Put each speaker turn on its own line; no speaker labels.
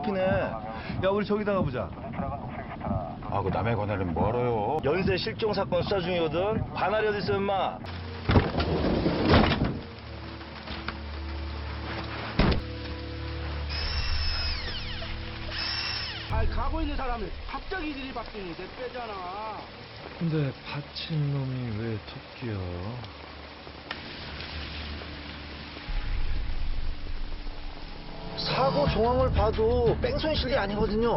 앞이네. 야, 우리 저기다 가보자.
아, 그 남의 권한은 멀어요.
연쇄 실종 사건 수사 중이거든. 반할이 어디 있어, 임마?
아니 가고 있는 사람이 갑자기 들이박더니 내 빼잖아.
근데 받친 놈이 왜 토끼야? 사고 정황을 봐도 뺑소니 실이 아니거든요.